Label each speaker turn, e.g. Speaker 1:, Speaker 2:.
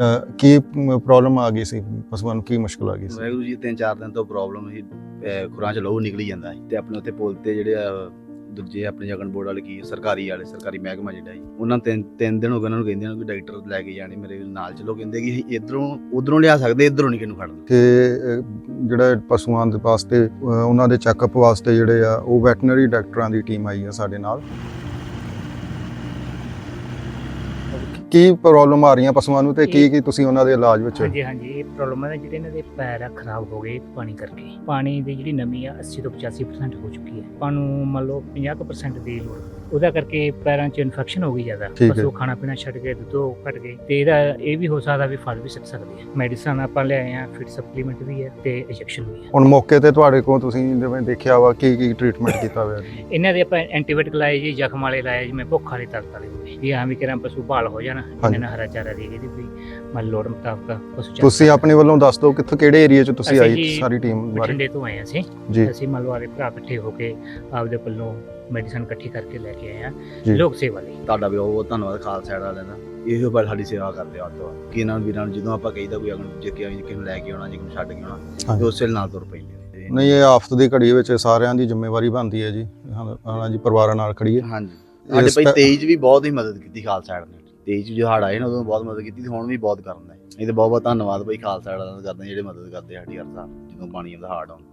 Speaker 1: ਕੀ problem ਆ ਗਈ ਸੀ ਪਸ਼ੂਆਂ ਨੂੰ, ਕੀ ਮੁਸ਼ਕਲ ਆ ਗਈ ਸੀ?
Speaker 2: ਵਾਹਿਗੁਰੂ ਜੀ 3-4 ਦਿਨ ਤੋਂ ਪ੍ਰੋਬਲਮ ਸੀ, ਖੁਰਾਂ 'ਚ ਲਹੂ ਨਿਕਲੀ ਜਾਂਦਾ ਸੀ ਤੇ ਆਪਣੇ ਉੱਥੇ ਪੁਲ ਤੇ ਜਿਹੜੇ ਦੂਜੇ ਆਪਣੇ ਜਗਨ ਬੋਰਡ ਵਾਲੇ ਕੀ ਸਰਕਾਰੀ ਮਹਿਕਮਾ ਜਿਹੜਾ ਜੀ, ਉਹਨਾਂ ਤਿੰਨ ਦਿਨ ਹੋ ਗਏ ਉਹਨਾਂ ਨੂੰ ਕਹਿੰਦੇ ਕਿ ਡਾਕਟਰ ਲੈ ਕੇ ਜਾਣੇ ਮੇਰੇ ਨਾਲ ਚਲੋ, ਕਹਿੰਦੇ ਕਿ ਇਧਰੋਂ ਉਧਰੋਂ ਲਿਆ ਸਕਦੇ, ਇਧਰੋਂ ਨਹੀਂ ਕਿਹਨੂੰ ਖੜਨਾ।
Speaker 1: ਕਿ ਜਿਹੜਾ ਪਸ਼ੂਆਂ ਦੇ ਵਾਸਤੇ ਉਹਨਾਂ ਦੇ ਚੈੱਕਅਪ ਵਾਸਤੇ ਜਿਹੜੇ ਆ ਉਹ ਵੈਟਰਨਰੀ ਡਾਕਟਰਾਂ ਦੀ ਟੀਮ ਆਈ ਆ ਸਾਡੇ ਨਾਲ। ਕੀ ਪ੍ਰੋਬਲਮ ਆ ਰਹੀਆਂ ਪਸ਼ੂਆਂ ਨੂੰ ਤੇ ਕੀ ਤੁਸੀਂ ਉਹਨਾਂ ਦੇ ਇਲਾਜ ਵਿੱਚ?
Speaker 3: ਹਾਂਜੀ ਇਹ ਪ੍ਰੋਬਲਮ ਹੈ ਜਿਹੜੇ ਇਹਨਾਂ ਦੇ ਪੈਰ ਆ ਖਰਾਬ ਹੋ ਗਏ ਪਾਣੀ ਕਰਕੇ। ਪਾਣੀ ਦੀ ਜਿਹੜੀ ਨਮੀ ਆ 80 ਤੋਂ 85% ਹੋ ਚੁੱਕੀ ਹੈ। ਆਪਾਂ ਨੂੰ ਮੰਨ ਲਓ 50% ਦੀ ਲੋੜ, ਉਹਦਾ ਕਰਕੇ ਪੈਰਾਂ 'ਚ ਇਨਫੈਕਸ਼ਨ ਹੋ ਗਈ ਜ਼ਿਆਦਾ। ਪਸ਼ੂ ਖਾਣਾ ਪੀਣਾ ਛੱਡ ਗਏ, ਦੁੱਧ ਘਟ ਗਏ ਤੇ ਇਹਦਾ ਇਹ ਵੀ ਹੋ ਸਕਦਾ ਵੀ ਫਲ ਵੀ ਸਿੱਟ ਸਕਦੇ ਆ। ਮੈਡੀਸਨ ਆਪਾਂ ਲਿਆਏ ਆ, ਫਿਟ ਸਪਲੀਮੈਂਟ ਵੀ ਹੈ ਤੇ ਇੰਜੈਕਸ਼ਨ ਵੀ ਹੈ।
Speaker 1: ਹੁਣ ਮੌਕੇ ਤੇ ਤੁਹਾਡੇ ਕੋਲ ਤੁਸੀਂ ਜਿਵੇਂ ਦੇਖਿਆ ਵਾ ਕੀ ਟ੍ਰੀਟਮੈਂਟ ਕੀਤਾ ਹੋਇਆ?
Speaker 3: ਇਹਨਾਂ ਦੇ ਆਪਾਂ ਐਂਟੀਬਾਇਓਟਿਕ ਲਾਏ ਜੀ, ਜ਼ਖਮ ਵਾਲੇ ਲਾਏ, ਜਿਵੇਂ ਭੁੱਖ ਵਾਲੇ ਤਰਤ ਵਾਲੇ ਹੋਏ ਵੀ ਹਾਂ ਵੀ ਕਿਰਾਂ ਪਸ਼ੂ ਭਾਲ ਹੋ ਜਾਣ, ਇਹਨਾਂ ਨਾਲ ਹਰਾ ਚਾਰਾ ਦੇ ਇਹਦੀ ਵੀ ਮੰਨ ਲੋੜ ਮੁਤਾਬਕ ਪਸ਼ੂ।
Speaker 1: ਤੁਸੀਂ ਆਪਣੇ ਵੱਲੋਂ ਦੱਸ ਦਿਓ ਕਿੱਥੇ ਕਿਹੜੇ ਏਰੀਆ 'ਚ ਤੁਸੀਂ ਆਈ ਸਾਰੀ ਟੀਮ ਬਾਰੇ?
Speaker 3: ਬਠਿੰਡੇ ਤੋਂ ਆਏ ਅਸੀਂ
Speaker 1: ਜੀ।
Speaker 3: ਅਸੀਂ ਮੰਨ ਲਓ ਆਲੇ ਭਰਾ ਇਕੱਠੇ ਹੋ ਕੇ ਆਪਦੇ ਵੱਲੋਂ ਮੈਡੀਸਨ ਇਕੱਠੀ ਕਰਕੇ ਲੈ ਕੇ ਆਏ ਆ ਲੋਕ ਸੇਵਾ ਲਈ।
Speaker 2: ਤੁਹਾਡਾ ਵੀ ਬਹੁਤ ਧੰਨਵਾਦ ਖਾਲਸਾ ਏਡ ਵਾਲਿਆਂ ਦਾ, ਇਹੋ ਬਲ ਸਾਡੀ ਸੇਵਾ ਕਰਦੇ ਆ ਤੋਂ ਕਿ ਇਹਨਾਂ ਵੀਰਾਂ ਨੂੰ ਜਦੋਂ ਆਪਾਂ ਕਹੀਦਾ ਕੋਈ ਅਗਨ ਜੇ ਕਿਸੇ ਨੂੰ ਲੈ ਕੇ ਆਉਣਾ, ਜੇ ਕੋਈ ਛੱਡ ਕੇ ਆਉਣਾ ਤੇ ਉਸੇ ਨਾਲ ਤੁਰ ਪੈਂਦੇ।
Speaker 1: ਨਹੀਂ, ਇਹ ਆਫਤ ਦੀ ਘੜੀ ਵਿੱਚ ਸਾਰਿਆਂ ਦੀ ਜ਼ਿੰਮੇਵਾਰੀ ਬਣਦੀ ਹੈ ਜੀ। ਹਾਂਜੀ, ਪਰਿਵਾਰਾਂ ਨਾਲ ਖੜੀਏ।
Speaker 2: ਹਾਂਜੀ, ਸਾਡੇ ਭਾਈ 23 ਵੀ ਬਹੁਤ ਹੀ ਮਦਦ ਕੀਤੀ ਖਾਲਸਾ ਏਡ ਨੇ। 23 ਜੋ ਹੜ ਆਏ ਨਾ ਉਦੋਂ ਬਹੁਤ ਮਦਦ ਕੀਤੀ ਤੇ ਹੁਣ ਵੀ ਬਹੁਤ ਕਰਨ ਦਾ। ਇਹ ਤੇ ਬਹੁਤ ਧੰਨਵਾਦ ਭਾਈ ਖਾਲਸਾ ਏਡ ਦਾ ਕਰਦੇ ਜਿਹੜੇ ਮਦਦ ਕਰਦੇ ਸਾਡੀ ਹਰ ਸਾਲ ਜਦੋਂ ਪਾਣੀ ਆਉਂਦਾ ਹੜ ਆਉਂਦਾ।